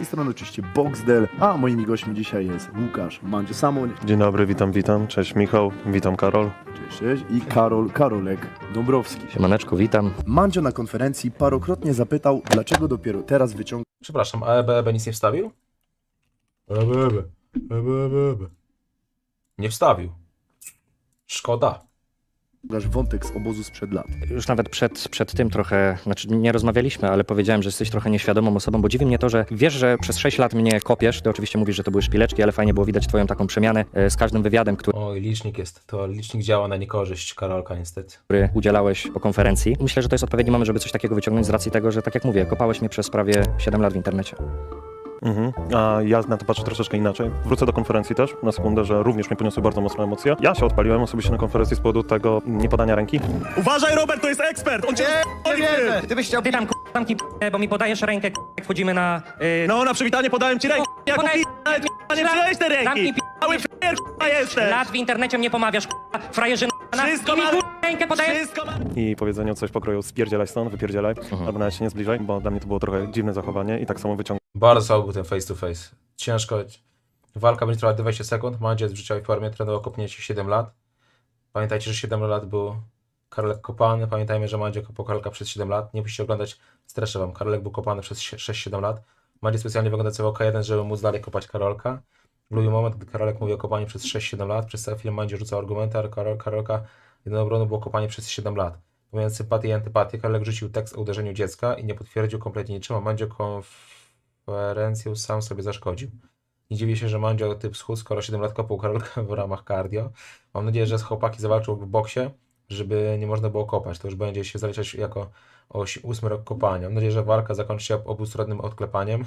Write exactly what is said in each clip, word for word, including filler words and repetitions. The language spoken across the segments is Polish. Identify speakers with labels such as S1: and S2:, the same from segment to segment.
S1: tej strony oczywiście Boxdel, a moimi gośćmi dzisiaj jest Łukasz Mandzio Samoń.
S2: Dzień dobry, witam, witam. Cześć Michał, witam Karol.
S1: Cześć, cześć. I Karol Karolek Dąbrowski.
S3: Siemaneczku, witam.
S1: Mandzio na konferencji parokrotnie zapytał, dlaczego dopiero teraz wyciąga
S4: Przepraszam, a E B E B nic nie wstawił? E B E B, E B E B. Nie wstawił. Szkoda.
S1: wątek z obozu sprzed lat.
S3: Już nawet przed, przed tym trochę, znaczy nie rozmawialiśmy, ale powiedziałem, że jesteś trochę nieświadomą osobą, bo dziwi mnie to, że wiesz, że przez sześć lat mnie kopiesz. Ty oczywiście mówisz, że to były szpileczki, ale fajnie było widać twoją taką przemianę e, z każdym wywiadem, który
S4: Oj, licznik jest. To licznik działa na niekorzyść Karolka niestety.
S3: udzielałeś po konferencji. Myślę, że to jest odpowiedni moment, żeby coś takiego wyciągnąć z racji tego, że tak jak mówię, kopałeś mnie przez prawie siedem lat w internecie.
S2: Mhm. A ja na to patrzę troszeczkę inaczej. Wrócę do konferencji też, na sekundę, że również mnie poniosły bardzo mocne emocje. Ja się odpaliłem osobiście na konferencji z powodu tego niepodania ręki. Uważaj, Robert, to jest ekspert! On cię nie
S3: Ty byś chciał... Ty tam k***am ki bo mi podajesz rękę, jak wchodzimy na... Yy...
S2: No, na przywitanie podałem ci rękę. Jak
S3: podaj-
S2: nie przyjąłeś tej ręki!
S3: Zamknij
S2: Mały f***er jesteś!
S3: lat w internecie mnie pomawiasz, k***a, frajerzyna.
S2: Wszystko
S3: I mi
S2: ma-
S3: k***a, rękę podajesz...
S2: Wszystko ma... I powiedzeniu coś pokroju spierdzielaj stąd, wypierdzielaj, albo nawet się nie zbliżaj, bo dla mnie to było trochę dziwne zachowanie i tak samo wyciągnąłem
S4: Bardzo słaby był ten face to face. Ciężko. Walka będzie trwała dwadzieścia sekund. Mandzio jest w życiowej formie, trenował kopnięcie siedem lat. Pamiętajcie, że siedem lat był Karolek kopany. Pamiętajmy, że Mandzio kopał Karolka przez siedem lat. Nie musicie oglądać, streszę wam. Karolek był kopany przez sześć siedem lat. Mandzio specjalnie wygląda cały K jeden, żeby móc dalej kopać Karolka. Lubił moment, gdy Karolek mówi o kopaniu przez sześć siedem lat. Przez cały film Mandzio rzucał argumenty, a Karol, Karolka jedyną obroną było kopanie przez siedem lat. Pomijając sympatię i antypatię, Karolek rzucił tekst o uderzeniu dziecka i nie potwierdził kompletnie niczym, a Mandzio konferencję sam sobie zaszkodził. Nie dziwię się, że Mandzio typ schód, skoro siedem lat kopał Karolka w ramach cardio. Mam nadzieję, że chłopaki zawalczą w boksie, żeby nie można było kopać. To już będzie się zaliczać jako oś- ósmy rok kopania. Mam nadzieję, że walka zakończy się obustronnym odklepaniem.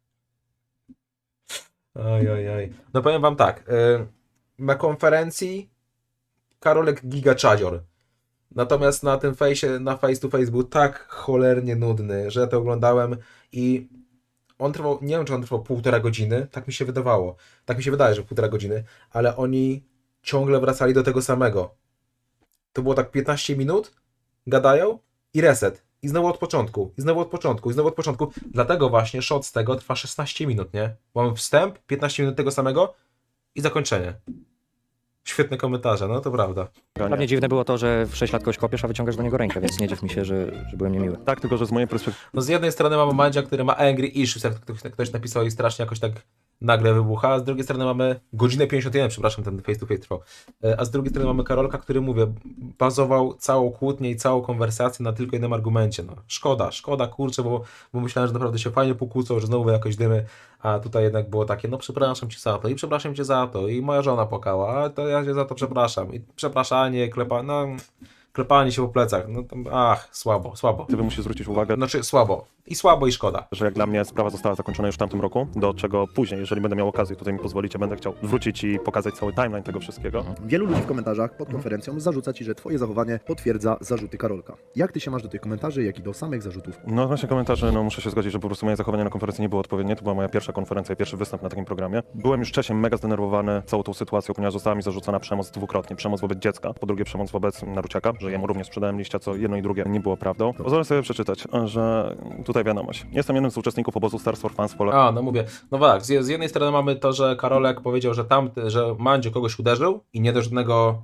S4: Oj, oj, oj. No powiem wam tak. Yy, na konferencji Karolek gigaczadzior. Natomiast na tym fejsie, na face to face był tak cholernie nudny, że ja to oglądałem i on trwał, nie wiem czy on trwał półtora godziny, tak mi się wydawało. Tak mi się wydaje, że półtora godziny, ale oni ciągle wracali do tego samego. To było tak piętnaście minut, gadają i reset. I znowu od początku, i znowu od początku, i znowu od początku. Dlatego właśnie shot z tego trwa szesnaście minut, nie? Mamy wstęp, piętnaście minut tego samego i zakończenie. Świetne komentarze, no to prawda.
S3: Dla mnie dziwne było to, że w sześć lat kogoś kopiesz, a wyciągasz do niego rękę, więc nie dziw mi się, że, że byłem niemiły.
S2: Tak, tylko że z mojej perspektywy
S4: No z jednej strony mamy Mandzia, który ma angry issues, jak ktoś, ktoś napisał i strasznie jakoś tak nagle wybucha, a z drugiej strony mamy godzinę pięćdziesiąt jeden, przepraszam, ten face to face trwał. E, A z drugiej strony mamy Karolka, który, mówię, bazował całą kłótnię i całą konwersację na tylko jednym argumencie. No, szkoda, szkoda, kurczę, bo, bo myślałem, że naprawdę się fajnie pokłócą, że znowu jakoś dymy, a tutaj jednak było takie, no przepraszam cię za to i przepraszam cię za to i moja żona płakała, a to ja cię za to przepraszam i przepraszanie, klepa, no klepanie się po plecach, no to, ach, słabo, słabo.
S2: musisz zwrócić uwagę,
S4: Znaczy słabo. I słabo, i szkoda.
S2: że jak dla mnie sprawa została zakończona już w tamtym roku, do czego później, jeżeli będę miał okazję, tutaj mi pozwolicie, będę chciał wrócić i pokazać cały timeline tego wszystkiego.
S1: Wielu ludzi w komentarzach pod konferencją zarzuca ci, że twoje zachowanie potwierdza zarzuty Karolka. Jak ty się masz do tych komentarzy, jak i do samych zarzutów?
S2: No właśnie komentarze, no muszę się zgodzić, że po prostu moje zachowanie na konferencji nie było odpowiednie. To była moja pierwsza konferencja i pierwszy występ na takim programie. Byłem już wcześniej mega zdenerwowany całą tą sytuacją, ponieważ została mi zarzucona przemoc dwukrotnie. Przemoc wobec dziecka, po drugie przemoc wobec Naruciaka, że jemu również sprzedałem liścia, co jedno i drugie nie było prawdą. Pozwolę sobie przeczytać, że tutaj wiadomość. Jestem jednym z uczestników obozu Stars for Fans w Pole.
S4: A, no mówię, no tak, z, z jednej strony mamy to, że Karolek powiedział, że tamty, że Mandzio kogoś uderzył i nie do żadnego,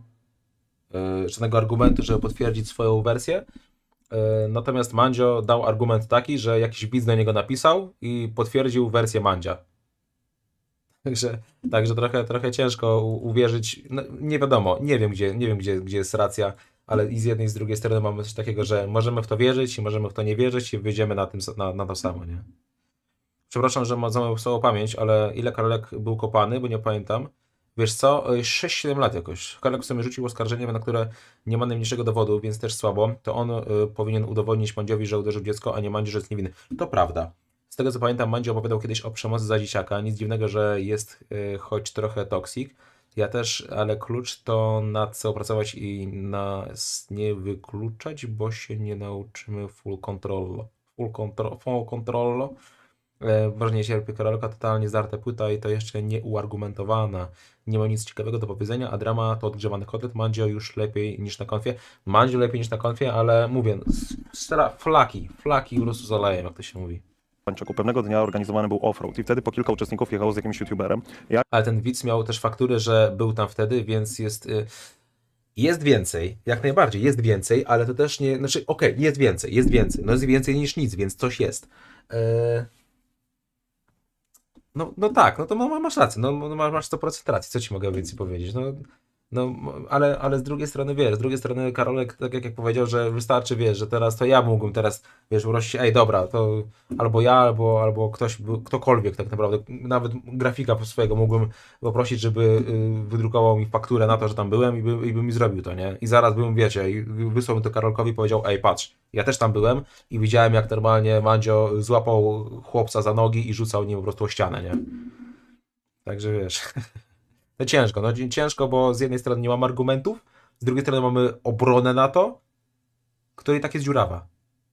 S4: yy, żadnego argumentu, żeby potwierdzić swoją wersję. Yy, natomiast Mandzio dał argument taki, że jakiś widz do niego napisał i potwierdził wersję Mandzia. Także, także trochę, trochę ciężko u, uwierzyć, no, nie wiadomo, nie wiem, gdzie, nie wiem gdzie, gdzie jest racja, ale i z jednej i z drugiej strony mamy coś takiego, że możemy w to wierzyć i możemy w to nie wierzyć i wyjdziemy na, tym, na, na to samo, nie? Przepraszam, że mam za moją słabą pamięć, ale ile Karolek był kopany, bo nie pamiętam. Wiesz co, sześć siedem lat jakoś. Karolek sobie rzucił oskarżenie, na które nie ma najmniejszego dowodu, więc też słabo. To on y, powinien udowodnić Mandziowi, że uderzył dziecko, a nie Mandzio, że jest niewinny. To prawda. Z tego co pamiętam, Mandzio opowiadał kiedyś o przemocy za dzieciaka. Nic dziwnego, że jest y, choć trochę toksik. Ja też, ale klucz to nad co opracować i nas nie wykluczać, bo się nie nauczymy full control. Full control. Full control. Ważnie cierpi Karolka, totalnie zdarta płyta i to jeszcze nieuargumentowana. Nie ma nic ciekawego do powiedzenia, a drama to odgrzewany kotlet. Mandzio już lepiej niż na konfie. Mandzio lepiej niż na konfie, ale mówię, strzela flaki, flaki po prostu z olejem, jak to się mówi.
S2: Pańczoku. Pewnego dnia organizowany był offroad i wtedy po kilka uczestników jechało z jakimś youtuberem. Ja
S4: Ale ten widz miał też fakturę, że był tam wtedy, więc jest... Y, jest więcej, jak najbardziej, jest więcej, ale to też nie... Znaczy, okej, okay, jest więcej, jest więcej. No jest więcej niż nic, więc coś jest. Yy... No, no tak, no to ma- masz rację, no no masz, masz sto procent racji, co ci mogę więcej powiedzieć, no, no ale, ale z drugiej strony, wiesz, z drugiej strony Karolek, tak jak, jak powiedział, że wystarczy, wiesz, że teraz to ja mógłbym teraz, wiesz, prosić, ej, dobra, to albo ja, albo, albo ktoś, by- ktokolwiek tak naprawdę, nawet grafika swojego mógłbym poprosić, żeby y, wydrukował mi fakturę na to, że tam byłem i by, i by mi zrobił to, nie? I zaraz bym, wiecie, i wysłał mi to Karolkowi i powiedział, ej, patrz, ja też tam byłem i widziałem, jak normalnie Mandzio złapał chłopca za nogi i rzucał nim po prostu o ścianę, nie? Także wiesz, no ciężko, no ciężko, bo z jednej strony nie mam argumentów, z drugiej strony mamy obronę na to, która i tak jest dziurawa.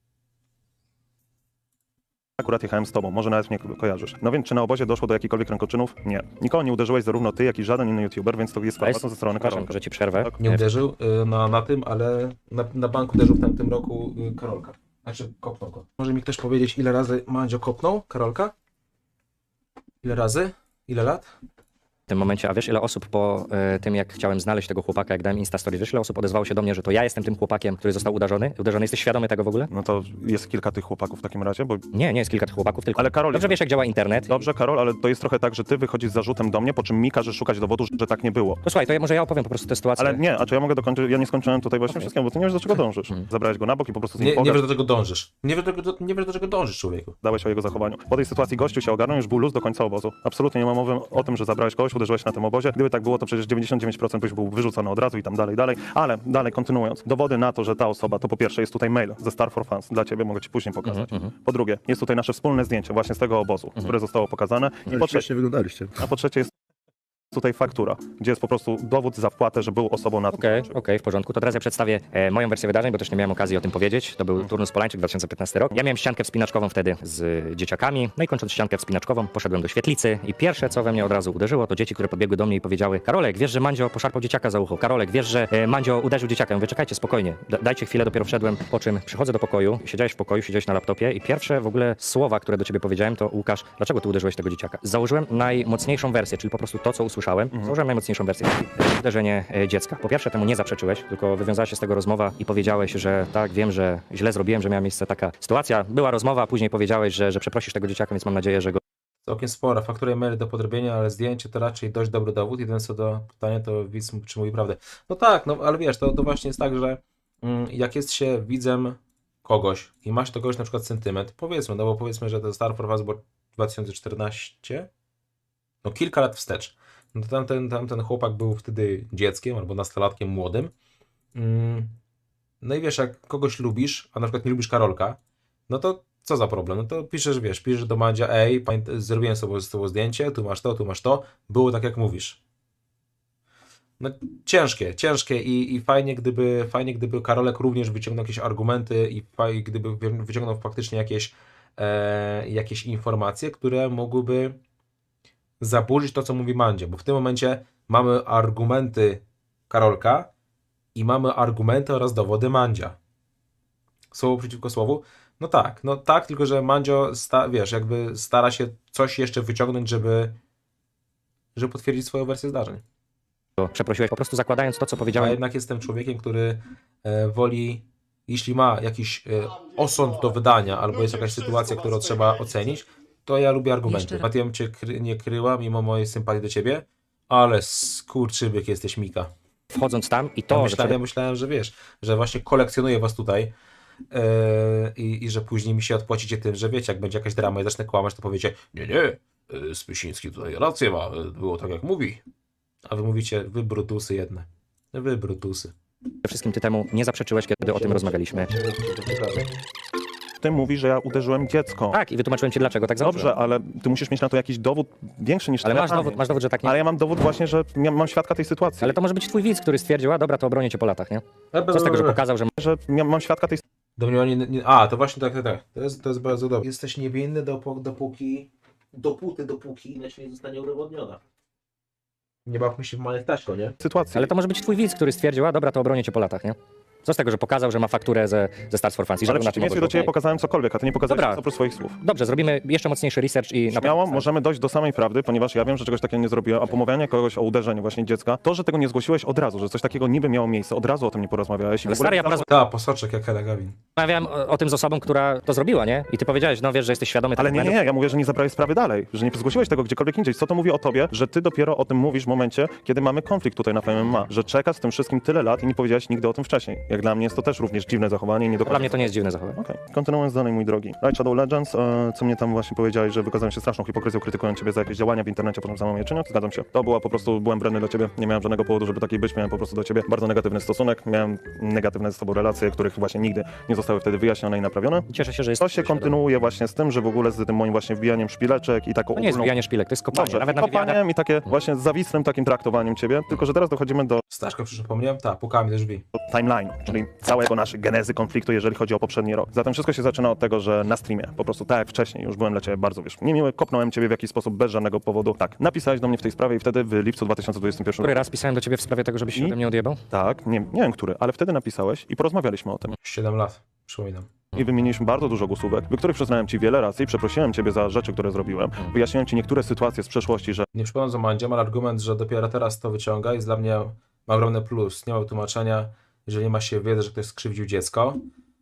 S2: akurat jechałem z tobą, może nawet mnie ko- kojarzysz. No więc czy na obozie doszło do jakichkolwiek rękoczynów? Nie. Nikogo nie uderzyłeś, zarówno ty, jak i żaden inny youtuber, więc to jest
S3: To jest-
S2: informacja ze strony
S3: Przepraszam,
S2: Karolka.
S3: że ci przerwę.
S2: Tak.
S4: Nie uderzył y, na, na tym, ale na, na banku uderzył w tamtym roku y, Karolka. Znaczy kopnął go. Może mi ktoś powiedzieć, ile razy Mandzio kopnął Karolka? Ile razy? Ile lat?
S3: W tym momencie, a wiesz ile osób po e, tym, jak chciałem znaleźć tego chłopaka, jak dałem Instastory, wiesz ile osób odezwało się do mnie, że to ja jestem tym chłopakiem, który został uderzony? Uderzony. Jesteś świadomy tego w ogóle?
S2: No to jest kilka tych chłopaków w takim razie, bo...
S3: Nie, nie jest kilka tych chłopaków, tylko...
S2: Ale Karol...
S3: Dobrze wiesz, jak działa internet.
S2: Dobrze, Karol, ale to jest trochę tak, że ty wychodzisz z zarzutem do mnie, po czym mi każesz szukać dowodu, że tak nie było.
S3: To słuchaj, to ja, może ja opowiem po prostu tę sytuację.
S2: Ale nie, a czy ja mogę dokończyć? Ja nie skończyłem tutaj właśnie
S3: Okej.
S2: wszystkiego, bo ty nie wiesz, do czego dążysz.
S3: Mhm.
S2: Zabrałeś go na bok i po prostu z nim
S4: Nie, nie wiesz,
S2: pogadałeś
S4: do czego dążysz. Nie wiesz, do, czego- nie wiesz, do czego dążysz, człowieku.
S2: o jego zachowaniu. Po tej sytuacji gościu się ogarnął, już był luz do końca obozu. Absolutnie nie ma mowy o tym, że zabrałeś kogoś, uderzyłeś na tym obozie. Gdyby tak było, to przecież dziewięćdziesiąt dziewięć procent byś był wyrzucony od razu i tam dalej, dalej. Ale dalej, kontynuując. Dowody na to, że ta osoba, to po pierwsze jest tutaj mail ze Star for Fans. Dla ciebie mogę ci później pokazać.
S3: Mhm,
S2: Po drugie, jest tutaj nasze wspólne zdjęcie właśnie z tego obozu, które zostało pokazane. I
S1: Ale
S2: po trzecie,
S1: śmiesznie wyglądaliście.
S2: a po trzecie jest tutaj faktura, gdzie jest po prostu dowód za wpłatę, że był osobą na tym.
S3: Okej, okej, w porządku. To teraz ja przedstawię e, moją wersję wydarzeń, bo też nie miałem okazji o tym powiedzieć. To był turnus Polańczyk, dwa tysiące piętnasty rok. Ja miałem ściankę wspinaczkową wtedy z y, dzieciakami. No i kończąc ściankę wspinaczkową, poszedłem do świetlicy i pierwsze, co we mnie od razu uderzyło, to dzieci, które podbiegły do mnie i powiedziały: Karolek, wiesz, że Mandzio poszarpał dzieciaka za ucho. Karolek, wiesz, że e, Mandzio uderzył dzieciaka. Ja mówię, czekajcie, spokojnie, da, dajcie chwilę, dopiero wszedłem. Po czym przychodzę do pokoju, siedziałeś w pokoju, siedziałeś na laptopie i pierwsze w ogóle słowa, które do ciebie powiedziałem, to Łukasz, dlaczego ty uderzyłeś tego dzieciaka? Założyłem najmocniejszą wersję, czyli po prostu to, co usłyszałem. Założyłem najmocniejszą wersję. Uderzenie e, dziecka. Po pierwsze, temu nie zaprzeczyłeś, tylko wywiązała się z tego rozmowa i powiedziałeś, że tak, wiem, że źle zrobiłem, że miała miejsce taka sytuacja. Była rozmowa, a później powiedziałeś, że, że przeprosisz tego dzieciaka, więc mam nadzieję, że go
S4: Całkiem spora. Faktura i mail do podrobienia, ale zdjęcie to raczej dość dobry dowód. Jedyne co do pytania, to widz czy mówi prawdę. No tak, no ale wiesz, to, to właśnie jest tak, że mm, jak jest się widzem kogoś i masz do kogoś na przykład sentyment, powiedzmy, no bo powiedzmy, że to Star for Us było dwa tysiące czternaście, no kilka lat wstecz. No to tamten, tamten chłopak był wtedy dzieckiem albo nastolatkiem młodym. Mm, no i wiesz, jak kogoś lubisz, a na przykład nie lubisz Karolka, no to co za problem? No to piszesz, wiesz, piszesz do Mandzia, ej, pamięt- zrobiłem sobie z tobą zdjęcie, tu masz to, tu masz to, było tak jak mówisz. No ciężkie, ciężkie i, i fajnie, gdyby, fajnie, gdyby Karolek również wyciągnął jakieś argumenty i fajnie, gdyby wy- wyciągnął faktycznie jakieś, e, jakieś informacje, które mogłyby zaburzyć to, co mówi Mandzio, bo w tym momencie mamy argumenty Karolka i mamy argumenty oraz dowody Mandzia. Słowo przeciwko słowu? No tak, no tak, tylko że Mandzio, sta, wiesz, jakby stara się coś jeszcze wyciągnąć, żeby, żeby potwierdzić swoją wersję zdarzeń.
S3: przeprosiłeś, po prostu zakładając to, co
S4: Ja
S3: powiedziałem.
S4: jednak jestem człowiekiem, który e, woli, jeśli ma jakiś e, osąd do wydania, albo jest jakaś sytuacja, którą trzeba ocenić, to ja lubię argumenty.
S5: Jeszcze raz.
S4: Matiem cię kry, nie kryła, mimo mojej sympatii do ciebie, ale skurczybyk jesteś, Mika.
S3: Wchodząc tam i
S4: To
S3: to,
S4: ja
S3: że
S4: myślałem, ja myślałem, że wiesz, że właśnie kolekcjonuję was tutaj yy, i, i że później mi się odpłacicie tym, że wiecie, jak będzie jakaś drama i zacznę kłamać, to powiecie, nie, nie, yy, Spysiński tutaj rację ma, yy, było tak jak mówi. A wy mówicie, wy brutusy jedne. Wy brutusy.
S3: przede wszystkim ty temu nie zaprzeczyłeś, kiedy o tym rozmawialiśmy.
S2: Ty mówisz, że ja uderzyłem dziecko.
S3: Tak, i wytłumaczyłem ci, dlaczego tak założyłem.
S2: Dobrze, ale ty musisz mieć na to jakiś dowód większy niż
S3: Ale
S2: tyle
S3: masz
S2: ramy.
S3: dowód, masz dowód, że tak nie.
S2: Ale ja mam dowód właśnie, że mia- mam świadka tej sytuacji.
S3: Ale to może być twój widz, który stwierdził, a dobra, to obronię cię po latach, nie? Co z tego, że pokazał, że
S2: że mia- mam świadka tej
S4: Domniemanie, nie, a, to właśnie tak, tak, tak. To jest, to jest bardzo dobre. Jesteś niewinny dopó- dopóki, dopóty, dopóki inaczej nie zostanie udowodniona. Nie bawmy się w małe Staśko, nie?
S2: sytuacji.
S3: Ale to może być twój widz, który stwierdził, a dobra, to obronię cię po latach, nie? Co z tego, że pokazał, że ma fakturę ze, ze Stars for Fans i że
S2: Ale
S3: był
S2: w
S3: na tym
S2: przeciwieństwie do
S3: ogłoszeniu?
S2: ciebie pokazałem cokolwiek, a ty nie pokazałeś
S3: Dobra.
S2: nic oprócz swoich słów.
S3: Dobrze, zrobimy jeszcze mocniejszy research i... na
S2: Śmiało
S3: pewno-
S2: możemy dojść do samej prawdy, ponieważ ja wiem, że czegoś takiego nie zrobiłem, a pomawianie kogoś o uderzeniu właśnie dziecka, to, że tego nie zgłosiłeś od razu, że coś takiego niby miało miejsce, od razu o tym nie porozmawiałeś. i
S3: Ale
S2: w ogóle
S3: stary, ja
S2: nie
S3: porozmawiałem
S4: Ta, posoczek jak Hela Gawin.
S3: o, o tym z osobą, która to zrobiła, nie? I ty powiedziałeś, no wiesz, że jesteś świadomy
S2: Ale
S3: tych
S2: nie, nie,
S3: błędów.
S2: nie, ja mówię, że nie zabrałeś sprawy dalej, że nie zgłosiłeś tego gdziekolwiek indziej. Co to mówi o tobie, że ty dopiero o tym mówisz w momencie, kiedy mamy konflikt tutaj na F M M A, że czekasz z tym wszystkim tyle lat i nie powiedziałeś nigdy o tym wcześniej. Jak dla mnie jest to też również dziwne zachowanie i nie do
S3: Dla mnie to nie jest dziwne zachowanie.
S2: Okej, kontynuując dalej, mój drogi. Raid Shadow Legends, e, co mnie tam właśnie powiedziałeś, że wykazałem się straszną hipokryzją, krytykując ciebie za jakieś działania w internecie, potem samą je czyniąc. Zgadzam się. To była po prostu, byłem brenny do ciebie, nie miałem żadnego powodu, żeby taki być, miałem po prostu do ciebie bardzo negatywny stosunek, miałem negatywne z tobą relacje, których właśnie nigdy nie zostały wtedy wyjaśnione i naprawione.
S3: Cieszę się, że jest...
S2: To się kontynuuje właśnie z tym, że w ogóle z tym moim właśnie wbijaniem szpileczek i taką
S3: To nie jest
S2: ogólną...
S3: wbijanie szpilek, to jest kopanie.
S2: Dobrze,
S3: Nawet na wywiadach...
S2: kopaniem i takie właśnie zawisłym takim traktowaniem ciebie, tylko że teraz dochodzimy do
S4: Staszka, przypomniałem? Tak, pukami do drzwi.
S2: timeline, czyli całego naszej genezy konfliktu, jeżeli chodzi o poprzedni rok. Zatem wszystko się zaczyna od tego, że na streamie, po prostu tak jak wcześniej, już byłem dla ciebie bardzo, wiesz, niemiły, kopnąłem ciebie w jakiś sposób bez żadnego powodu. Tak, napisałeś do mnie w tej sprawie i wtedy w lipcu dwa tysiące dwudziestym pierwszym
S3: Który
S2: roku.
S3: raz pisałem do ciebie w sprawie tego, żebyś się
S2: I-
S3: ode mnie odjebał?
S2: Tak, nie, nie wiem który, ale wtedy napisałeś i porozmawialiśmy o tym.
S4: Siedem lat, przypominam.
S2: I wymieniliśmy bardzo dużo głosówek, w których przyznałem ci wiele razy i przeprosiłem ciebie za rzeczy, które zrobiłem. Wyjaśniłem ci niektóre sytuacje z przeszłości, że
S4: Nie przypominam za Mandziem, ale argument, że dopiero teraz to wyciąga jest dla mnie ma ogromny plus. Nie ma tłumaczenia, jeżeli ma się wiedzę, że ktoś skrzywdził dziecko.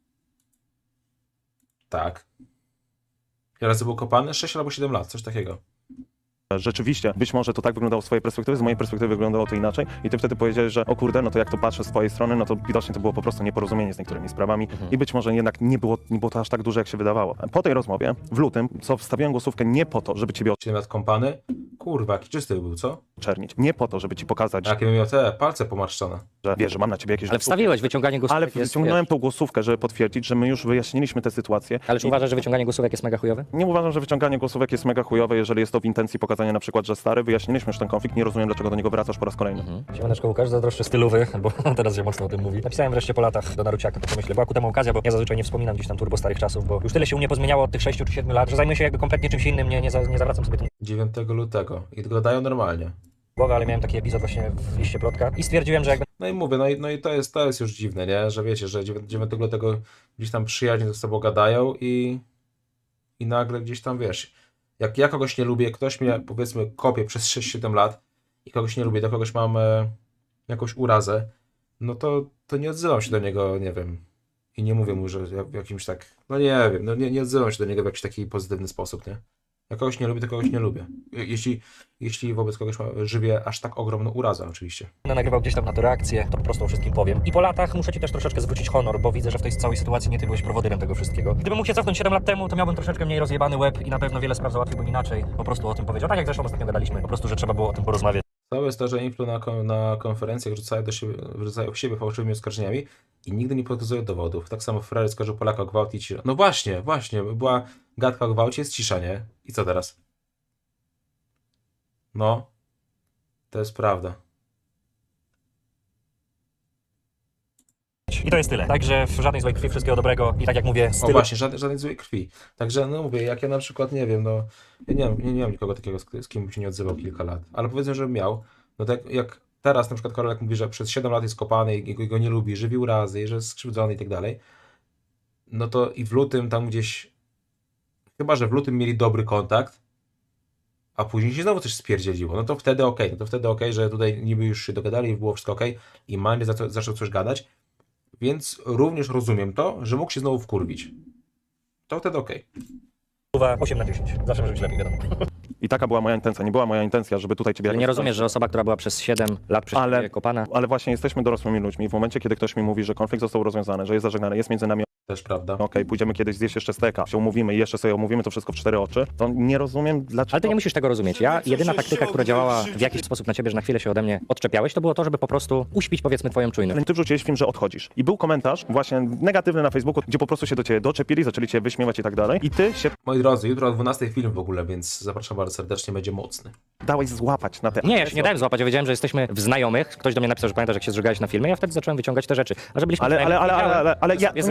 S4: Tak. Ile razy był kopany? sześć albo siedem lat, coś takiego.
S2: rzeczywiście być może to tak wyglądało z twojej perspektywy, z mojej perspektywy wyglądało to inaczej i ty wtedy powiedziałeś, że o kurde, no to jak to patrzę z twojej strony, no to widocznie to było po prostu nieporozumienie z niektórymi sprawami
S3: Mhm.
S2: i być może jednak nie było, nie było to aż tak duże, jak się wydawało. Po tej rozmowie w lutym, co wstawiłem głosówkę nie po to, żeby ciebie
S4: siedem lat kąpany? Kurwa, jaki czysty był, co?
S2: oczernić, nie po to, żeby ci pokazać,
S4: A jakie bym miał te palce pomarszczone.
S2: że wiesz, że mam na ciebie jakieś...
S3: Ale wstawiłeś wyciąganie głosówek
S2: Ale
S3: jest,
S2: wyciągnąłem
S3: wiesz,
S2: tą głosówkę, żeby potwierdzić, że my już wyjaśniliśmy tę sytuację.
S3: Ale czy
S2: I
S3: uważasz, że wyciąganie głosówek jest mega chujowe?
S2: nie uważam, że wyciąganie głosówek jest mega chujowe, jeżeli jest to w intencji pokazania na przykład, że stary, wyjaśniliśmy już ten konflikt, nie rozumiem, dlaczego do niego wracasz po raz kolejny.
S3: Siemaneczko Łukasz, zazdroszczę stylowy, bo teraz się mocno o tym mówi. Napisałem wreszcie po latach do Naruciaka, to myślę, była ku temu okazja, bo ja zazwyczaj nie wspominam gdzieś tam turbo starych czasów, bo już tyle się u mnie pozmieniało od tych sześciu czy siedmiu lat, że zajmuję się jakby kompletnie czymś innym, nie, nie, za, nie zawracam sobie tym
S4: dziewiątego lutego. I gadają normalnie.
S3: głowy, ale miałem taki epizod właśnie w liście plotka i stwierdziłem, że jakby
S4: No i mówię, no i, no i to, jest, to jest już dziwne, nie? Że wiecie, że dziewiątego lutego gdzieś tam przyjaźnie ze sobą gadają i, i nagle gdzieś tam, wiesz, jak ja kogoś nie lubię, ktoś mnie, powiedzmy, kopie przez sześć siedem lat i kogoś nie lubię, do kogoś mam e, jakąś urazę, no to, to nie odzywam się do niego, nie wiem, i nie mówię mu, że ja w jakimś tak, no nie wiem, no nie, nie odzywam się do niego w jakiś taki pozytywny sposób, nie? Jak kogoś nie lubię, to kogoś nie lubię. Jeśli, jeśli wobec kogoś ma, żywię aż tak ogromną urazę, oczywiście.
S3: będę nagrywał gdzieś tam na to reakcję, to po prostu o wszystkim powiem. I po latach muszę ci też troszeczkę zwrócić honor, bo widzę, że w tej całej sytuacji nie ty byłeś prowodyrem tego wszystkiego. Gdybym mógł się cofnąć siedem lat temu, to miałbym troszeczkę mniej rozjebany łeb i na pewno wiele spraw załatwiłbym inaczej. Po prostu o tym powiedział. Tak jak zresztą ostatnio gadaliśmy, po prostu, że trzeba było o tym porozmawiać.
S4: Całe jest to, że Influ na, kon- na konferencjach rzucają, do siebie, rzucają w siebie fałszywymi oskarżeniami i nigdy nie pokazują dowodów. Tak samo Ferrari skarżył Polaka o gwałt i cisza. No właśnie, właśnie, była gadka o gwałcie, jest cisza, nie? I co teraz? No, to jest prawda.
S3: I to jest tyle. Także w żadnej złej krwi, wszystkiego dobrego i tak jak mówię,
S4: O
S3: stylu.
S4: właśnie, żadnej, żadnej złej krwi. Także no mówię, jak ja na przykład, nie wiem, no, ja nie, mam- nie, nie mam nikogo takiego, z, z kim bym się nie odzywał kilka lat, ale powiedzmy, że miał, no tak jak teraz na przykład Karolek mówi, że przez siedem lat jest kopany i go, go nie lubi, żywi urazy, że jest skrzywdzony i tak dalej, no to i w lutym tam gdzieś, chyba, że w lutym mieli dobry kontakt, a później się znowu coś spierdzieliło, no to wtedy okej, no to wtedy okej, że tutaj niby już się dogadali i było wszystko okej i Mandy zaczął, zaczął coś gadać, więc również rozumiem to, że mógł się znowu wkurwić. To wtedy okej.
S3: osiem na dziesięć. Zawsze może być lepiej, wiadomo.
S2: I taka była moja intencja, nie była moja intencja, żeby tutaj ciebie...
S3: Ale nie rozumiesz, że osoba, która była przez siedem lat przez
S2: Ale-
S3: ciebie kopana,
S2: Ale właśnie jesteśmy dorosłymi ludźmi. W momencie, kiedy ktoś mi mówi, że konflikt został rozwiązany, że jest zażegnany, jest między nami,
S4: Też prawda.
S2: okej, pójdziemy kiedyś zjeść jeszcze steka, się umówimy i jeszcze sobie omówimy to wszystko w cztery oczy, to nie rozumiem dlaczego...
S3: ale ty nie musisz tego rozumieć. Ja, jedyna taktyka, która działała w jakiś sposób na ciebie, że na chwilę się ode mnie odczepiałeś, to było to, żeby po prostu uśpić, powiedzmy, twoją czujność.
S2: Ale ty wrzuciłeś film, że odchodzisz. I był komentarz właśnie negatywny na Facebooku, gdzie po prostu się do ciebie doczepili, zaczęli cię wyśmiewać i tak dalej. I ty się
S4: Moi drodzy, jutro o dwunastej film w ogóle, więc zapraszam bardzo serdecznie, będzie mocny.
S2: dałeś złapać na te...
S3: Nie, ja się nie dałem złapać, ja wiedziałem, że jesteśmy w znajomych. Ktoś do mnie napisał, że pamiętasz, jak się zżygałeś na filmie, ja wtedy zacząłem wyciągać te rzeczy. A że byliśmy
S2: Ale, ale, ale, ale, ale, ale ja,
S3: jest
S2: nie ja byłem,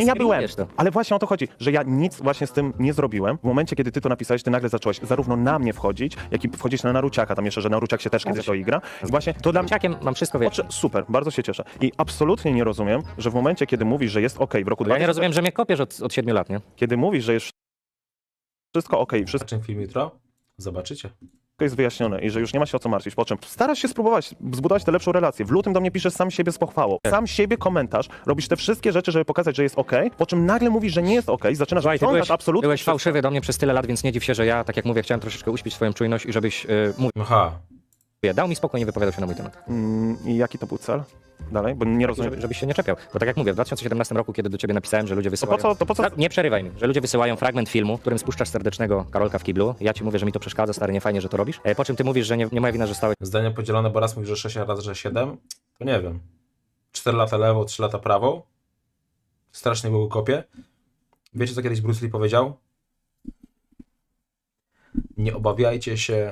S3: udajesz to.
S2: Ale właśnie o to chodzi, że ja nic właśnie z tym nie zrobiłem. W momencie, kiedy ty to napisałeś, ty nagle zacząłeś zarówno na mnie wchodzić, jak i wchodzić na Naruciaka, tam jeszcze, że Naruciak się też kiedyś to igra. I właśnie to dla mnie...
S3: Dzieciakiem mam wszystko, wiesz.
S2: Oczy, super, bardzo się cieszę. I absolutnie nie rozumiem, że w momencie, kiedy mówisz, że jest ok w roku
S3: Ja nie
S2: dwa tysiące
S3: rozumiem, że mnie kopiesz od, od siedmiu lat, nie?
S2: kiedy mówisz, że jest wszystko ok, wszystko
S4: Zobaczymy film jutro? Zobaczycie.
S2: jest wyjaśnione i że już nie ma się o co martwić, po czym starasz się spróbować zbudować tę lepszą relację. W lutym do mnie piszesz sam siebie z pochwałą. Sam siebie komentarz, robisz te wszystkie rzeczy, żeby pokazać, że jest ok, po czym nagle mówisz, że nie jest ok, zaczynasz
S3: Słuchaj, ty
S2: wyciągać
S3: byłeś,
S2: absolutnie
S3: byłeś
S2: wszystko.
S3: fałszywy do mnie przez tyle lat, więc nie dziw się, że ja, tak jak mówię, chciałem troszeczkę uśpić swoją czujność i żebyś yy, mówił.
S4: Aha.
S3: Dał mi spokój, nie wypowiadał się na mój temat.
S2: Mm, I jaki to był cel? Dalej, bo nie rozumiem.
S3: Żeby, żebyś się nie czepiał. Bo tak jak mówię, w dwa tysiące siedemnastym roku, kiedy do ciebie napisałem, że ludzie
S2: To
S3: wysyłają...
S2: po co, to po co?
S3: Tak, nie przerywaj mi, że ludzie wysyłają fragment filmu, w którym spuszczasz serdecznego Karolka w kiblu. Ja ci mówię, że mi to przeszkadza, stary, nie fajnie, że to robisz. E, po czym ty mówisz, że nie, nie moja wina, że stałeś
S4: Zdania podzielone, bo raz mówisz, że sześć, a raz, że siedem. To nie wiem. cztery lata lewo, trzy lata prawo. Strasznie było kopie. Wiecie, co kiedyś Bruce Lee powiedział? Nie obawiajcie się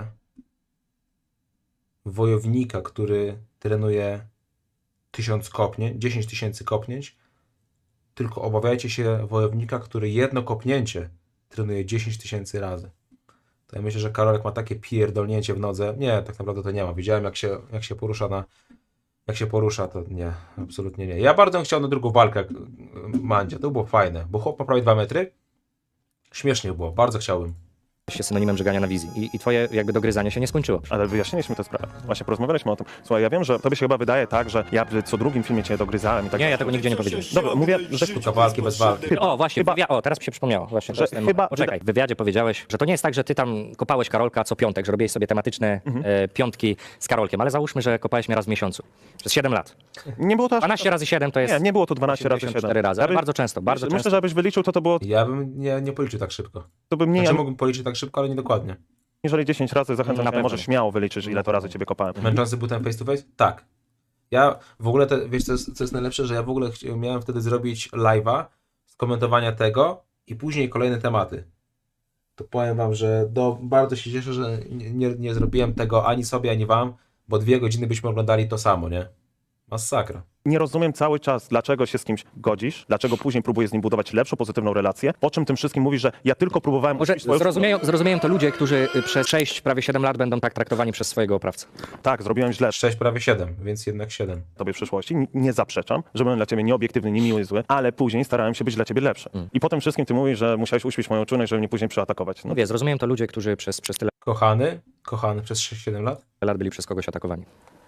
S4: wojownika, który trenuje tysiąc kopnięć, dziesięć tysięcy kopnięć, tylko obawiajcie się wojownika, który jedno kopnięcie trenuje dziesięć tysięcy razy. To ja myślę, że Karolek ma takie pierdolnięcie w nodze. Nie, tak naprawdę to nie ma. Widziałem, jak się, jak się porusza na... Jak się porusza, to nie, absolutnie nie. Ja bardzo bym chciał na drugą walkę jak Mandzia. To było fajne, bo chłop ma prawie dwa metry. Śmiesznie było, bardzo chciałbym.
S3: się synonimem żegania na wizji. I, I twoje jakby dogryzanie się nie skończyło.
S2: Ale wyjaśniliśmy tę sprawę. Właśnie porozmawialiśmy o tym. Słuchaj, ja wiem, że tobie się chyba wydaje tak, że ja co drugim filmie cię dogryzałem i tak
S3: Nie, ja
S2: dalej.
S3: tego nigdzie nie powiedziałem.
S2: Dobra, mówię, że
S4: Sztuka walki bez walki.
S3: O, właśnie,
S2: Chyba-
S3: wywia- o, teraz mi się przypomniało. Właśnie,
S2: Że
S3: to jest ten
S2: chyba-
S3: moment. Poczekaj, w wywiadzie powiedziałeś, że to nie jest tak, że ty tam kopałeś Karolka co piątek, że robiłeś sobie tematyczne
S2: Mhm.
S3: e, piątki z Karolkiem, ale załóżmy, że kopałeś mnie raz w miesiącu. Przez siedem lat.
S2: nie było to aż...
S3: dwanaście razy siedem to jest
S2: Nie, nie było to dwanaście razy
S3: osiemdziesiąt
S2: siedem.
S3: cztery razy,
S2: Ja
S3: ale
S2: bym-
S3: bardzo często, bardzo
S2: Myślę,
S3: często.
S2: że abyś wyliczył, to to było
S4: Ja bym nie, nie policzył tak szybko.
S2: to by mniej
S4: Znaczy mógłbym policzyć tak szybko, ale nie dokładnie.
S2: aniżeli dziesięć razy. Zachęcam
S3: Na
S2: cię,
S3: pewno
S2: możesz
S3: nie.
S2: śmiało wyliczyć, ile to razy ciebie kopałem.
S4: Męczący był ten face to face? Tak. Ja w ogóle, te, wiesz co jest, co jest najlepsze, że ja w ogóle chci- miałem wtedy zrobić live'a z komentowania tego i później kolejne tematy. To powiem wam, że do, bardzo się cieszę, że nie, nie, nie zrobiłem tego ani sobie, ani wam, bo dwie godziny byśmy oglądali to samo, nie? Masakra.
S2: Nie rozumiem cały czas, dlaczego się z kimś godzisz, dlaczego później próbujesz z nim budować lepszą, pozytywną relację, po czym tym wszystkim mówisz, że ja tylko próbowałem...
S3: Może
S2: uczcić swoją-
S3: zrozumieją, zrozumieją to ludzie, którzy y, przez sześć, prawie siedem lat będą tak traktowani przez swojego oprawcę.
S2: Tak, zrobiłem źle
S4: sześć prawie siedem, więc jednak siedem.
S2: tobie w przyszłości, N- nie zaprzeczam, że byłem dla ciebie nieobiektywny, niemiły, zły, ale później starałem się być dla ciebie lepszy.
S3: Mm.
S2: I po tym wszystkim ty mówisz, że musiałeś uśpić moją czujność, żeby mnie później przyatakować. No,
S3: Mówię, zrozumieją to ludzie, którzy przez, przez tyle
S4: Kochany, kochany przez sześć siedem lat.
S3: lat byli przez kogoś atakowani.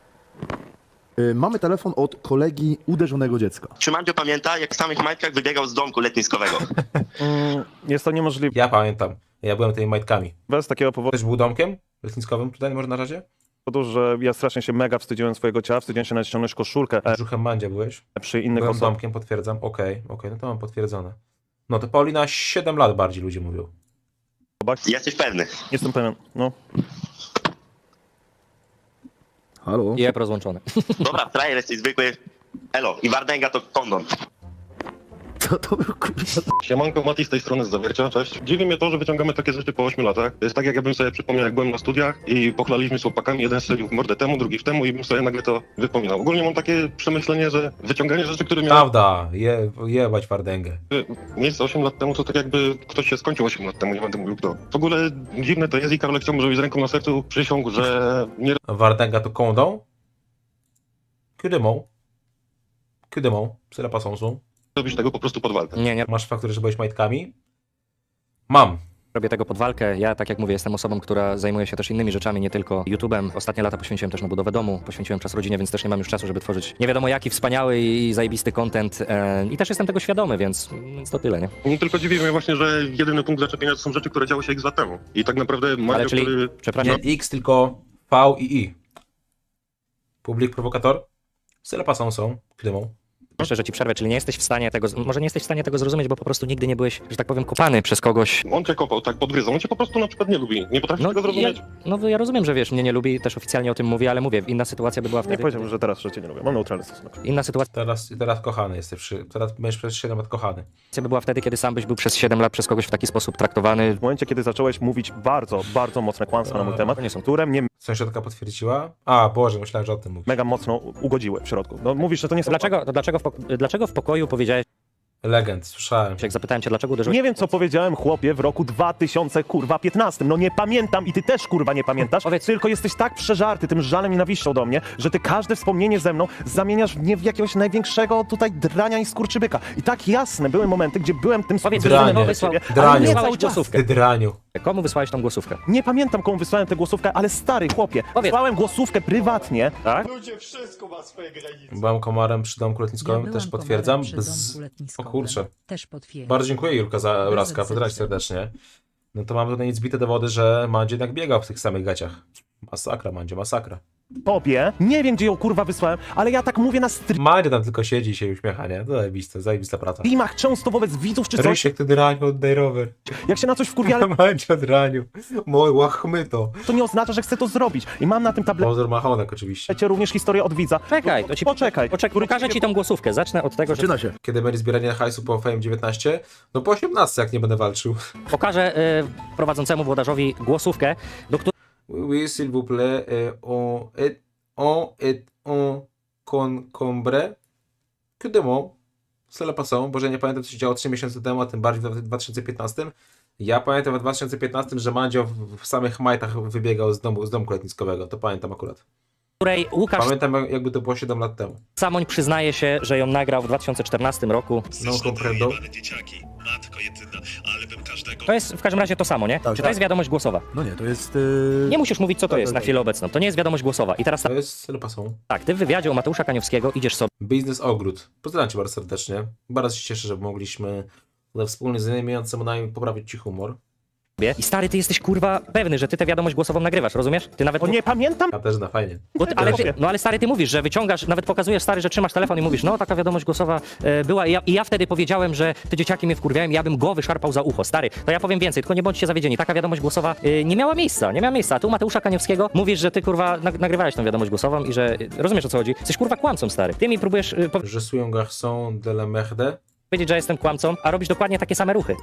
S1: Y, Mamy telefon od kolegi uderzonego dziecka.
S5: Czy Mandzio pamięta, jak w samych majtkach wybiegał z domku letniskowego?
S2: mm, jest to niemożliwe
S4: Ja pamiętam, ja byłem tymi majtkami.
S2: z takiego powodu,
S4: Też był domkiem letniskowym tutaj może na razie?
S2: że ja strasznie się mega wstydziłem swojego ciała, wstydziłem się nawet ściągnąć koszulkę e,
S4: Brzuchem Mandzia byłeś?
S2: przy innych
S4: Byłem
S2: osobach.
S4: domkiem, potwierdzam. Okej, okej, no to mam potwierdzone. No to Paulina siedem lat bardziej ludzie mówią.
S5: Jesteś pewny?
S2: Jestem pewien, no.
S1: Halo?
S3: I ep rozłączony.
S5: Dobra, frajer jesteś zwykły. Elo, i Wardęga to kondon.
S1: Co to był kurwa?
S6: Siemanko, Mati z tej strony z Zawiercia, cześć. Dziwi mnie to, że wyciągamy takie rzeczy po ośmiu latach. To jest tak, jak ja bym sobie przypomniał, jak byłem na studiach i pochlaliśmy z chłopakami, jeden strzelił w mordę temu, drugi w temu i bym sobie nagle to wypominał. Ogólnie mam takie przemyślenie, że wyciąganie rzeczy, które miały
S4: Prawda, je, jebać Wardęgę.
S6: miejsce osiem lat temu, to tak jakby ktoś się skończył osiem lat temu, nie będę mówił kto. W ogóle dziwne to jest i Karolek chciałbym, żebyś z ręką na sercu przysiągł, że nie
S4: Wardęga to kondą? Kudymą? Kudymą? Psyla pasąsą?
S6: robisz tego po prostu pod walkę.
S3: Nie, nie
S4: Masz fakturę, że byłeś majtkami? Mam.
S3: robię tego pod walkę. Ja, tak jak mówię, jestem osobą, która zajmuje się też innymi rzeczami, nie tylko YouTube'em. Ostatnie lata poświęciłem też na budowę domu, poświęciłem czas rodzinie, więc też nie mam już czasu, żeby tworzyć nie wiadomo jaki wspaniały i zajebisty content. E, I też jestem tego świadomy, więc, więc to tyle, nie?
S6: Nie tylko dziwi mnie właśnie, że jedyny punkt zaczepienia to są rzeczy, które działy się x lat temu. I tak naprawdę Mandzio,
S3: Ale czyli,
S6: który...
S3: przepraszam,
S4: Nie X, tylko V i I. Publik prowokator? Psyla pasąsą. Kudymą.
S3: jeszcze, że ci przerwę, czyli nie jesteś w stanie tego, z- może nie jesteś w stanie tego zrozumieć, bo po prostu nigdy nie byłeś, że tak powiem, kopany przez kogoś.
S6: On cię kopał, tak podgryzał. On cię po prostu na przykład nie lubi. Nie potrafisz
S3: No
S6: tego
S3: ja,
S6: zrozumieć.
S3: no ja rozumiem, że wiesz, mnie nie lubi, też oficjalnie o tym mówię, ale mówię, inna sytuacja by była
S2: Nie
S3: wtedy.
S2: powiedziałbym, że teraz, że cię nie lubię. Mam neutralny stosunek.
S3: Inna sytuacja
S4: Teraz, teraz kochany jesteś. Przy, teraz będziesz przez siedem lat kochany.
S3: by była wtedy, kiedy sam byś był przez siedem lat przez kogoś w taki sposób traktowany.
S2: W momencie, kiedy zacząłeś mówić bardzo, bardzo mocne kłamstwa na mój
S4: A,
S2: temat,
S3: to nie są-
S2: które mnie
S4: Sąsiadka potwierdziła? A, Boże, myślałem, że o tym mówisz.
S2: mega mocno ugodziły w środku. No mówisz, że to nie są...
S3: Dlaczego, to dlaczego, w pok- dlaczego w pokoju powiedziałeś,
S4: Legend, słyszałem.
S3: Jak zapytałem cię, dlaczego uderzyłeś...
S2: Nie wiem, co powiedziałem chłopie w roku dwa tysiące piętnastym. No nie pamiętam i ty też kurwa nie pamiętasz.
S3: Powiedz-
S2: Tylko jesteś tak przeżarty tym żalem i nienawiścią do mnie, że ty każde wspomnienie ze mną zamieniasz w nie w jakiegoś największego tutaj drania i skurczybyka. I tak jasne były momenty, gdzie byłem tym
S3: Powiedz,
S2: skurczybykiem
S4: Dranie.
S2: dla ciebie, ale
S4: Dranie.
S2: nie
S3: Wysłałeś
S2: cały czas.
S3: głosówkę.
S4: Ty draniu.
S3: Komu wysłałeś tą głosówkę?
S2: Nie pamiętam, komu wysłałem tę głosówkę, ale stary chłopie,
S3: Powiedz.
S2: wysłałem głosówkę prywatnie, tak?
S4: Byłem komarem przy domku lotniskowym,
S7: Ja
S4: też
S7: byłam
S4: potwierdzam.
S7: komarem przy
S4: Bez...
S7: domku
S4: O
S7: letniskowym.
S4: kurczę.
S7: Też potwierdzam.
S4: Bardzo dziękuję Julka za obrazka, podrać serdecznie. No to mamy tutaj zbite dowody, że Mandzie jednak biegał w tych samych gaciach. Masakra, Mandzie, masakra.
S2: Tobie, nie wiem, gdzie ją kurwa wysłałem, ale ja tak mówię na
S4: Mandzie tam tylko siedzi i się uśmiecha, nie? To zajebiste, zajebista praca.
S2: streamach często wobec widzów czy coś,
S4: Rysiek, ty draniu, oddaj rower.
S2: jak się na coś wkurwia, ale
S4: Mandzie, draniu. Mój, łachmyto.
S2: to nie oznacza, że chcę to zrobić. I mam na tym tablecie
S4: Pozor Machonek oczywiście.
S2: również historię od widza.
S3: Czekaj, to ci...
S2: Poczekaj.
S3: Poczekaj, pokażę ci tą głosówkę. Zacznę od tego, że
S1: Zaczyna się.
S4: Kiedy będzie zbieranie hajsu po Fame dziewiętnaście? No po osiemnastce, jak nie będę walczył.
S3: pokażę y, prowadzącemu włodarzowi głosówkę, do której
S4: Oui, s'il vous plaît, euh, on est, on est en concombre. Que de mots. Cela passant, bo że nie pamiętam, co się działo trzy miesiące temu, a tym bardziej w dwa tysiące piętnastym. Ja pamiętam w dwa tysiące piętnastym, że Mandzio w, w samych majtach wybiegał z domu, z domku letniskowego. To pamiętam akurat.
S3: Łukasz
S4: Pamiętam, jak- jakby to było siedem lat temu.
S3: Samoń przyznaje się, że ją nagrał w dwa tysiące czternastym roku.
S4: No, comprendo.
S8: dzieciaki, matko jedyna, ale bym każdego...
S3: To jest w każdym razie to samo, nie?
S1: Tak,
S3: Czy to
S1: tak.
S3: jest wiadomość głosowa?
S1: No nie, to jest... Yy...
S3: Nie musisz mówić, co to
S1: Tak,
S3: jest
S1: tak,
S3: na
S1: tak.
S3: chwilę obecną. To nie jest wiadomość głosowa. I teraz
S4: To jest cela passant.
S3: tak, ty w wywiadzie u Mateusza Kaniowskiego idziesz sobie
S4: Biznes Ogród. Pozdrawiam cię bardzo serdecznie. Bardzo się cieszę, że mogliśmy tutaj wspólnie z innymi nami poprawić ci humor.
S3: i stary, ty jesteś kurwa pewny, że ty tę wiadomość głosową nagrywasz, rozumiesz? Ty nawet...
S2: O nie pamiętam?
S4: Katarzyna, fajnie.
S3: Bo ty, ale ty, no ale stary, ty mówisz, że wyciągasz, nawet pokazujesz stary, że trzymasz telefon i mówisz, no taka wiadomość głosowa e, była i ja, i ja wtedy powiedziałem, że te dzieciaki mnie wkurwiają i ja bym go wyszarpał za ucho. Stary, to ja powiem więcej, tylko nie bądźcie zawiedzieni. Taka wiadomość głosowa e, nie miała miejsca, nie miała miejsca. A tu Mateusza Kaniowskiego mówisz, że ty kurwa nag nagrywałeś tą wiadomość głosową i że e, rozumiesz, o co chodzi. Jesteś kurwa kłamcą, stary. Ty mi próbujesz e,
S4: Je suis un garçon de la merde.
S3: powiedzieć, że jestem kłamcą, a robisz dokładnie takie same ruchy.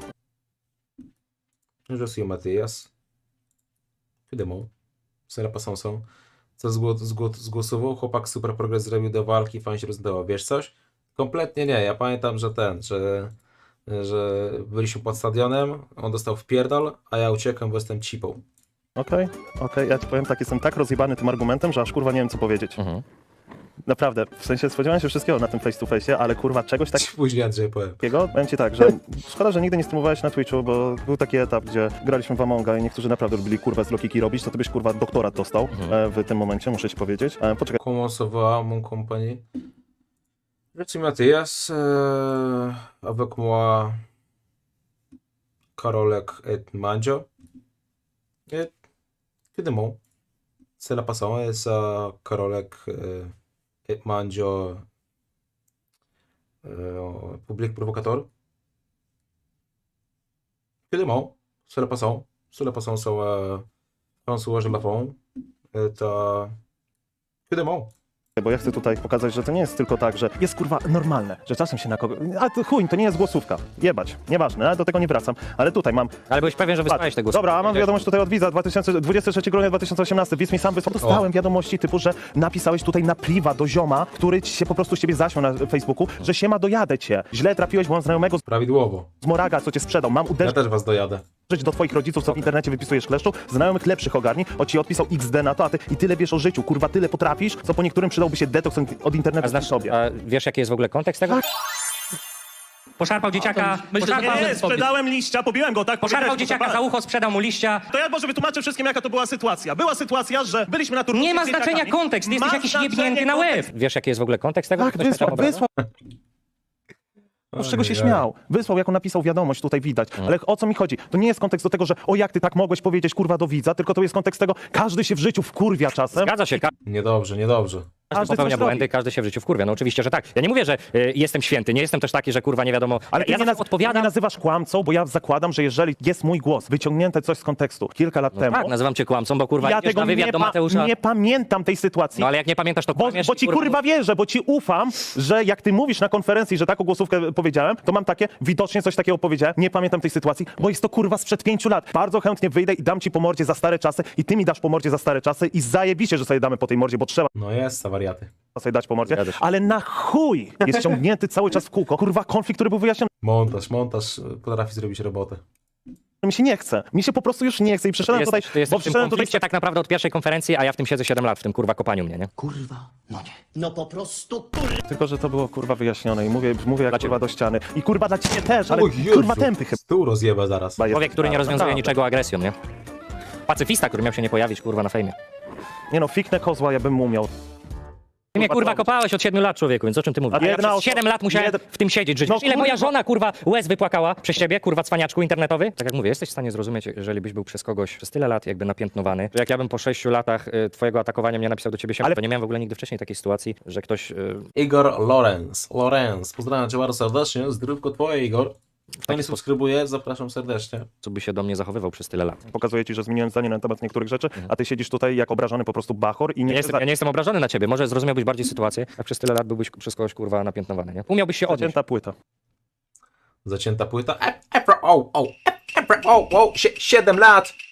S4: Je suis Matyjas. Wiadomo. Cela passant są. Co zgło- zgło- zgłosował? Chłopak super progres zrobił do walki, fan się rozdawał. Wiesz coś? Kompletnie nie. Ja pamiętam, że ten, że, że byliśmy pod stadionem, on dostał wpierdol, a ja uciekłem, bo jestem cipą.
S2: Okej, okej, ja ci powiem tak, jestem tak rozjebany tym argumentem, że aż kurwa nie wiem, co powiedzieć.
S3: Mhm.
S2: Naprawdę, w sensie spodziewałem się wszystkiego na tym face to face, ale kurwa czegoś
S4: Później Andrzej powiem.
S2: takiego, powiem ci tak, że szkoda, że nigdy nie streamowałeś na Twitchu, bo był taki etap, gdzie graliśmy w Amonga i niektórzy naprawdę lubili kurwa z Lokiki robić, to ty byś kurwa doktorat dostał
S3: Mhm.
S2: e, w tym momencie, muszę ci powiedzieć. E, poczekaj,
S4: Comment ça va, mon compagnie? Je suis Mathias, euh, avec moi Karolek et Mandzio. Et que de mots. C'est la passant, et ça Karolek euh, et Mandzio euh, public provocateur. Que de mots. C'est la passant. C'est la passant, ça euh, François Gelafon. Et euh, que de mots.
S2: bo ja chcę tutaj pokazać, że to nie jest tylko tak, że jest kurwa normalne, że czasem się na kogo... A to chuj, to nie jest głosówka, jebać, nieważne, ale do tego nie wracam, ale tutaj mam...
S3: Ale byłeś pewien, że wysłałeś te głosy.
S2: Dobra, a mam wiadomość tutaj od widza, dwudziestego trzeciego grudnia dwa tysiące osiemnastego, widz mi sam wysłał. Dostałem wiadomości typu, że napisałeś tutaj na priwa do zioma, który ci się po prostu z ciebie zaśmiał na Facebooku, że siema, dojadę cię. Źle trafiłeś, bo mam znajomego
S4: Prawidłowo.
S2: z Moraga, co cię sprzedał. Mam
S4: Ja
S2: uderzyć
S4: też was dojadę.
S2: do twoich rodziców, co w internecie wypisujesz kleszczu, znajomych lepszych ogarni, o ci odpisał iks de na to, a ty i tyle wiesz o życiu, kurwa, tyle potrafisz, co po niektórym przydałby się detoks od internetu
S3: A znasz
S2: sobie.
S3: A wiesz, jaki jest w ogóle kontekst tego? Poszarpał dzieciaka, poszarpał,
S2: sprzedałem liścia, pobiłem go, tak?
S3: poszarpał dzieciaka za ucho, sprzedał mu liścia.
S2: To ja może wytłumaczę wszystkim, jaka to była sytuacja. Była sytuacja, że byliśmy na turnieju.
S3: Nie ma znaczenia kontekst, jesteś jakiś jebnięty na łeb. Wiesz, jaki jest w ogóle kontekst tego?
S2: Tak,
S3: Ktoś
S2: wysłał,
S3: napisał
S2: wysłał. Z czego się śmiał? Wysłał, jaką napisał wiadomość, tutaj widać. Ale o co mi chodzi? To nie jest kontekst do tego, że o jak ty tak mogłeś powiedzieć kurwa do widza, tylko to jest kontekst tego, każdy się w życiu wkurwia czasem.
S3: Zgadza się, każdy
S4: Niedobrze, niedobrze.
S2: Każdy
S3: popełnia
S2: coś
S3: błędy,
S2: robi.
S3: każdy się w życiu wkurwia. No oczywiście, że tak. Ja nie mówię, że y, jestem święty, nie jestem też taki, że kurwa nie wiadomo, ale
S2: Ale
S3: ja
S2: ty nie,
S3: zawsze
S2: naz-
S3: odpowiadam.
S2: nie nazywasz kłamcą, bo ja zakładam, że jeżeli jest mój głos, wyciągnięte coś z kontekstu kilka lat temu,
S3: Tak, nazywam cię kłamcą, bo kurwa
S2: ja
S3: idziesz
S2: tego
S3: na wywiad
S2: nie,
S3: do
S2: pa-
S3: Mateusza.
S2: nie pamiętam tej sytuacji.
S3: No ale jak nie pamiętasz, to
S2: Bo,
S3: kłamiesz
S2: bo
S3: i,
S2: ci kurwa wierzę, bo ci ufam, że jak ty mówisz na konferencji, że taką głosówkę powiedziałem, to mam takie, widocznie coś takiego powiedziałem, nie pamiętam tej sytuacji, bo jest to kurwa sprzed pięciu lat. Bardzo chętnie wyjdę i dam ci po mordzie za stare czasy i ty mi dasz po mordzie za stare czasy i zajebiście, że sobie damy po tej mordzie, bo trzeba.
S4: No jest, wariaty.
S2: sobie dać po mordzie,
S3: Zgadza się.
S2: ale na chuj jest ciągnięty cały czas w kółko. Kurwa, konflikt, który był wyjaśniony,
S4: Montaż, montaż y, potrafi zrobić robotę.
S2: mi się nie chce. Mi się po prostu już nie chce i przyszedłem
S3: Ty
S2: tutaj,
S3: jesteś, ty jesteś
S2: bo
S3: w tym
S2: przyszedłem tutaj...
S3: konflikcie tak naprawdę od pierwszej konferencji, a ja w tym siedzę siedem lat, w tym kurwa kopaniu mnie, nie?
S7: Kurwa, no nie. No po prostu kurwa.
S2: Tylko, że to było kurwa wyjaśnione i mówię, mówię jak
S3: Dla
S2: kurwa
S3: ciebie.
S2: do ściany. I kurwa dla ciebie też, ale
S4: O Jezu,
S2: kurwa tępy chyba
S4: Stół rozjeba zaraz.
S2: jest.
S3: Człowiek, który nie rozwiązuje
S2: Naprawdę.
S3: niczego agresją, nie? Pacyfista, który miał się nie pojawić, kurwa, na fejmie.
S2: Nie no, fiknę kozła ja bym mu umiał.
S3: Ty mnie
S2: Kurwa,
S3: kurwa
S2: to-
S3: kopałeś od siedmiu lat, człowieku, więc o czym ty mówisz?
S2: A
S3: A ja
S2: jedna
S3: przez
S2: osoba-
S3: siedem lat musiałem
S2: jeden-
S3: w tym siedzieć, żyć.
S2: No
S3: Wiesz, ile moja
S2: kurwa.
S3: żona, kurwa, łez wypłakała przez ciebie, kurwa, cwaniaczku internetowy? Tak jak mówię, jesteś w stanie zrozumieć, jeżeli byś był przez kogoś przez tyle lat jakby napiętnowany, że jak ja bym po sześciu latach y, twojego atakowania mnie napisał do ciebie siema,
S2: Ale-
S3: to nie miałem w ogóle nigdy wcześniej takiej sytuacji, że ktoś... Y,
S4: Igor Lorenz. Lorenz. Pozdrawiam cię bardzo serdecznie. Zdrówko twoje, Igor. Kto nie subskrybuje, zapraszam serdecznie.
S3: co by się do mnie zachowywał przez tyle lat.
S2: Pokazuję ci, że zmieniłem zdanie na temat niektórych rzeczy, a ty siedzisz tutaj jak obrażony po prostu bachor i
S3: Ja
S2: nie
S3: nie,
S2: chcesz
S3: jestem, ja nie jestem obrażony na ciebie, może zrozumiałbyś bardziej sytuację, jak przez tyle lat byłbyś przez kogoś, kurwa, napiętnowany, nie? Umiałbyś się odnieść.
S2: zacięta płyta.
S4: Zacięta płyta. E, e, pro- o, o, e, e, pro- o, o, sie- siedem lat.